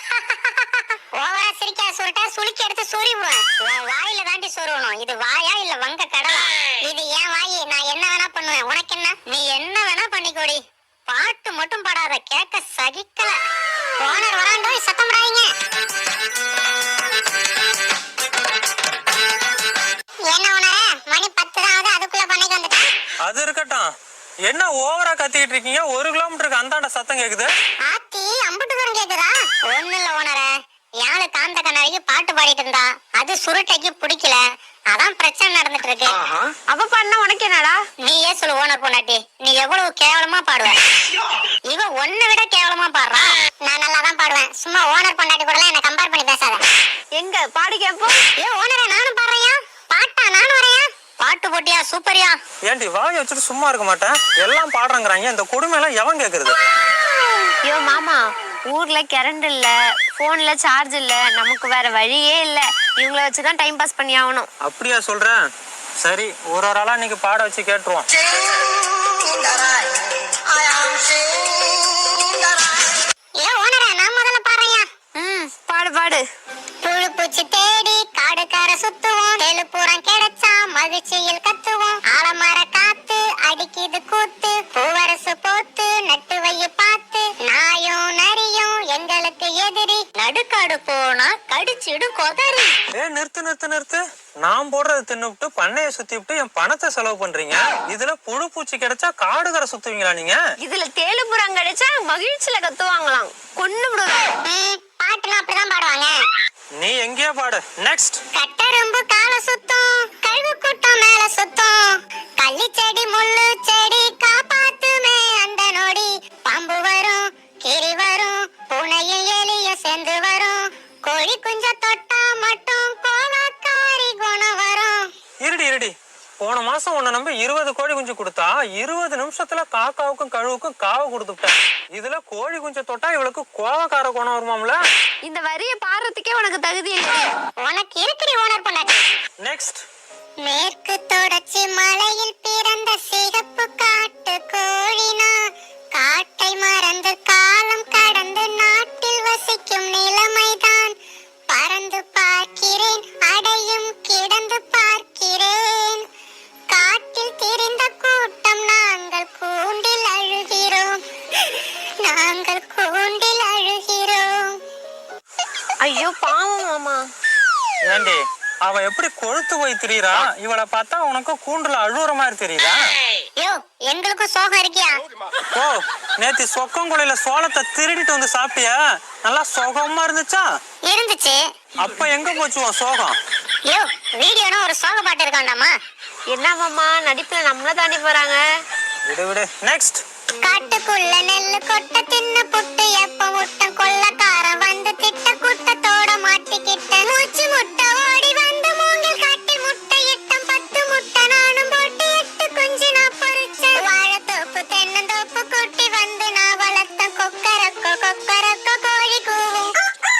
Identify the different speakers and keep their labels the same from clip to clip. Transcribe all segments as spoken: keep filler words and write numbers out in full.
Speaker 1: ஓவரா சிரிக்கா சுருட்டா சுளுக்கி எடுத்து சொறிவுவேன். உன் வாயில தாண்டி சொருவணும். இது வாயா இல்ல வங்க கடலா? இது ஏன் வாயி, நான் என்ன வேணா பண்ணுவேன். உனக்கு என்ன? நீ என்ன வேணா பண்ணிக்கோடி. பாட்டு மட்டும் பாடாத, கேட்க சகிக்கல. ஓனர் வராண்டோ, சத்தம் போடாதீங்க. என்ன ஓனர், மணி பத்து தான் ஆகுது, அதுக்குள்ள பண்ணைக்கு வந்துட்டேன்.
Speaker 2: அது இருக்கட்டும், என்ன ஓவரா கத்திக்கிட்டு இருக்கீங்க? ஒரு கிலோமீட்டருக்கு அந்தாண்ட சத்தம் கேக்குது.
Speaker 1: ஆத்தி அம்புட்டு தூரம் கேக்குதா? ஒண்ணு இல்ல ஓனரே, யாழு காந்த கண்ணாடிக்கு பாட்டு பாடிட்டு இருந்தா, அது சுருட்டைக்கு பிடிக்கல, அதான் பிரச்சனை நடந்துட்டு இருக்கு.
Speaker 3: அவ பண்ண உனக்கு என்னடா?
Speaker 1: நீயே சொல்லு ஓனர் பொண்டாட்டி, நீ எவ்வளவு கேவலமா பாடுவ. இவ ஒன்ன விட கேவலமா பாடுறா. நான் நல்லா தான் பாடுவேன், சும்மா ஓனர் பொண்டாட்டி கூட என்ன கம்பேர் பண்ணி பேசாத.
Speaker 3: எங்க பாடி கேப்போம்.
Speaker 1: ஏ ஓனரே, நானும் பாடுறையா? பாட்டா நானும் வரையா? பாட்டு போட்டியா? சூப்பரியா?
Speaker 2: ஏன்டி வாய் வச்சுட்டு சும்மா இருக்க மாட்டேன்? எல்லாம் பாடுறாங்கிறாங்க, இந்த கொடுமை எல்லாம் எவன் கேக்குறது?
Speaker 3: ஐயோ மாமா, ஊர்ல கரண்ட் இல்ல, போன்ல சார்ஜ் இல்ல, நமக்கு வேற வழியே இல்ல. இவங்கள வச்சுதான் டைம் பாஸ் பண்ணி ஆகணும்.
Speaker 2: அப்படியா சொல்றேன்? சரி, ஒரு ஒரு ஆளா இன்னைக்கு பாட வச்சு கேட்டுருவோம்.
Speaker 1: ஏ ஓனரே, நான் முதல்ல பாடுறையா?
Speaker 3: ம், பாடு பாடு.
Speaker 1: புழு பூச்சி தேடி காடுக்கார சுத்துவோம், எழுப்புறம் கிடைச்சா மகிழ்ச்சியில் கத்துவோம். ஆலமர காத்து அடிக்குது கூத்து, பூவரசு போத்து நட்டு வைய பார்த்து, நாயும் நரியும் எங்களுக்கு எதிரி, நடுக்காடு போனா கடிச்சிடு கொதறி.
Speaker 2: ஏ நிறுத்து நிறுத்து நிறுத்து. நான் போடுறது தின்னுவிட்டு பண்ணைய சுத்தி விட்டு என் பணத்தை செலவு பண்றீங்க. இதுல புழு பூச்சி கிடைச்சா காடுகரை சுத்துவீங்களா நீங்க?
Speaker 3: இதுல தேலுபுரம் கிடைச்சா மகிழ்ச்சியில கத்துவாங்களாம். கொன்னு விடுவேன்.
Speaker 1: பாட்டுலாம் அப்படிதான் பாடுவாங்க.
Speaker 2: நீ எங்கேயோ பாடு. நெக்ஸ்ட்.
Speaker 1: கட்டரும்பு கால சுத்தம், கழுகு கூட்டம் மேல சுத்தம், கள்ளி செடி முள்ளு செடி காப்பாத்துமே அந்த நொடி, பாம்பு வரும் கிரி வரும், பூனையும் எலியும் சேர்ந்து வரும், கோழி குஞ்ச தொட்டா மட்டும் கோலக்காரி குணம் வரும்.
Speaker 2: இருடி இருடி, போன மாசம் உன்னை நம்பி இருபது கோழி குஞ்சு கொடுத்தா இருபது நிமிஷத்துல காக்காவுக்கும் கழுவுக்கும் காவை கொடுத்துட்டேன். இதுல கோழி குஞ்சு தொட்டா இவளுக்கு கோவக்கார குணம் வருமாம்ல?
Speaker 3: இந்த வரிய பாடுறதுக்கே உனக்கு தகுதி இல்லை.
Speaker 1: உனக்கு இருக்கிறி ஓனர் பண்ணாச்சு.
Speaker 2: நெக்ஸ்ட்.
Speaker 1: மேற்கு தொடர்ச்சி மலையில் பிறந்த சிகப்பு காட்டு கோழினா, காட்டை மறந்து காலம் கடந்து நாட்டில் வசிக்கும் நிலைமைதான். பறந்து பார்க்கிறேன், அடையும் கிடந்து பார்க்கிறேன், காட்டில் திரிந்த கூட்டம் நாங்கள் கூண்டில் அழுகிறோம், நாங்கள் கூண்டில் அழுகிறோம்.
Speaker 3: ஐயோ பாவம் மாமா.
Speaker 2: ஏண்டி அவ எப்படி கொழுத்து போய் திரியறா? இவளை பார்த்தா உனக்கு கூண்டுல அழுவுற மாதிரி தெரியுதா?
Speaker 1: யோ, எங்களுக்கும் சோகம் இருக்கியா?
Speaker 2: ஓ, நேத்து சொக்கங்குழையில சோளத்தை திருடிட்டு வந்து சாப்பிட்டியா? நல்லா சோகமா இருந்துச்சா?
Speaker 1: இருந்துச்சு.
Speaker 2: அப்ப எங்க போச்சு உன் சோகம்?
Speaker 1: யோ, வீடியோனா ஒரு சோக பாட்டு இருக்காண்டாமா?
Speaker 3: என்ன மாமா, நடிப்புல நம்மள தாண்டி போறாங்க.
Speaker 2: விடு விடு. நெக்ஸ்ட்.
Speaker 1: காட்டுக்குள்ள நெல்லு கொட்ட தின்னு புட்டு எப்ப முட்டம், கொள்ளக்காரன் வந்து திட்ட கூட்டத்தோட மாட்டிக்கிட்ட, மூச்சு முட்டை ஓடி வந்து மூங்கில் காட்டி முட்டை இட்டம், பத்து முட்டை நானும் போட்டு எட்டு குஞ்சு நான் பொறிச்சேன், வாழைத்தோப்பு தென்னந்தோப்பு கூட்டி வந்து நான் வளர்த்த, கொக்கரக்கோ கொக்கரக்கோ கோழி கூவும்.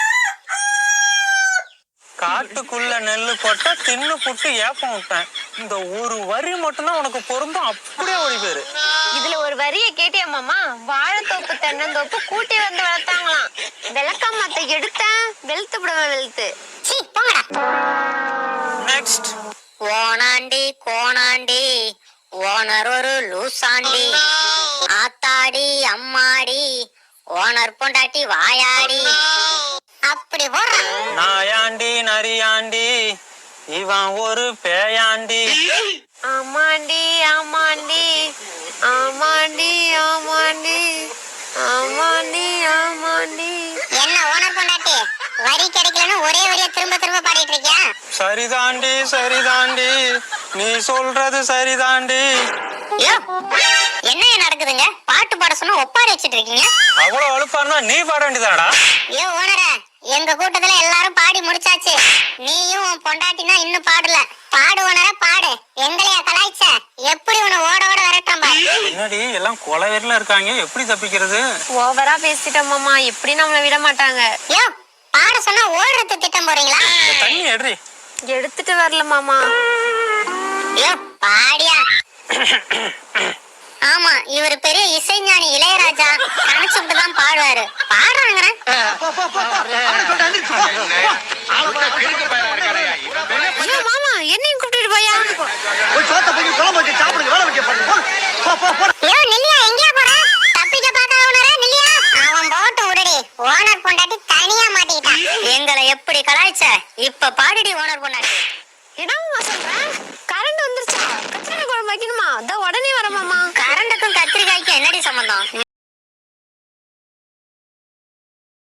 Speaker 2: காட்டுக்குள்ள நெல்லு போட்ட தின்னு புட்டு ஏப்பம் விட்டேன். இந்த ஒரு வரி மட்டும்தான் உனக்கு பொருந்தும், அப்படியே ஓடி போயிரு.
Speaker 3: இதுல ஒரு வரிய கேட்டியா மாமா? வாழைத்தோப்பு தென்னந்தோப்பு கூட்டி வந்து வளர்த்தாங்களாம். விளக்கமாத்த எடுத்தேன், வெளுத்து விடுவேன் வெளுத்து.
Speaker 1: சீ போங்கடா.
Speaker 2: நெக்ஸ்ட்.
Speaker 1: ஓனாண்டி கோணாண்டி ஓனர் ஒரு லூசாண்டி, ஆத்தாடி அம்மாடி ஓனர் பொண்டாட்டி வாயாடி. அப்படி போடுறான்.
Speaker 2: நாயாண்டி நரியாண்டி இவன் ஒரு பேயாண்டி.
Speaker 3: ஆமாண்டி ஆமாண்டி ஆமாண்டி ஆமாண்டி ஆமாண்டி ஆமாண்டி.
Speaker 1: என்ன ஓனர் பொண்டாட்டி, வரி கிடைக்கலன்னு ஒரே வரியா திரும்ப திரும்ப பாடிட்டு இருக்கியா?
Speaker 2: சரிதாண்டி சரிதாண்டி, நீ சொல்றது சரிதாண்டி.
Speaker 1: யோ, என்ன நடக்குதுங்க? பாட்டு பாட சொன்னா ஒப்பாரி வச்சிட்டு இருக்கீங்க.
Speaker 2: அவ்வளவு அழுப்பாருனா நீ பாட வேண்டியதாடா.
Speaker 1: யோ ஓனரே, எங்க கூட்டத்துல எல்லாரும் பாடி முடிச்சாச்சு, நீயும் உன் பொண்டாட்டினா இன்னும் பாடல. பாடு ஓனரே பாடு, எங்களையா கலாய்ச்ச? எப்படி உன்னை ஓட ஓட விரட்டாம்பா?
Speaker 2: என்னடி எல்லாம் கொலைவெறில இருக்காங்க, எப்படி தப்பிக்கிறது?
Speaker 3: ஓவரா பேசிட்டோம் மாமா, எப்படி நம்மள விட மாட்டாங்க.
Speaker 1: யோ, பாட சொன்னா ஓடுறது திட்டம் போறீங்களா?
Speaker 2: தண்ணி எடுறி.
Speaker 3: எடுத்துட்டு வரல மாமா.
Speaker 1: யோ பாடியா. ஆமா, இவர் பெரிய இசைஞானி இளையராஜா. கணச்சுட்டு தான் பாடுவாரு. பாடுறாங்க.
Speaker 3: ஐயோ மாமா, என்னையும் கூப்பிட்டு போயா?
Speaker 1: ஐயோ நில்லியா, எங்கயா போற? தப்பிக்க பார்த்தா உணர நில்லியா. அவன் போட்டு விடுடி. ஓனர் பொண்டாட்டி தனியா மாட்டிக்கிட்டான். எங்களை எப்படி கலாய்ச்ச? இப்ப பாடுடி ஓனர் பொண்டாட்டி.
Speaker 3: என்னம்மா சொல்றேன்? கரண்ட் வந்துருச்சா? கத்திரிக்காய் குழம்பு வைக்கணுமா? அதோ உடனே வர மாமா.
Speaker 1: கரண்டுக்கும் கத்திரிக்காய்க்கும் என்னடி சம்பந்தம்?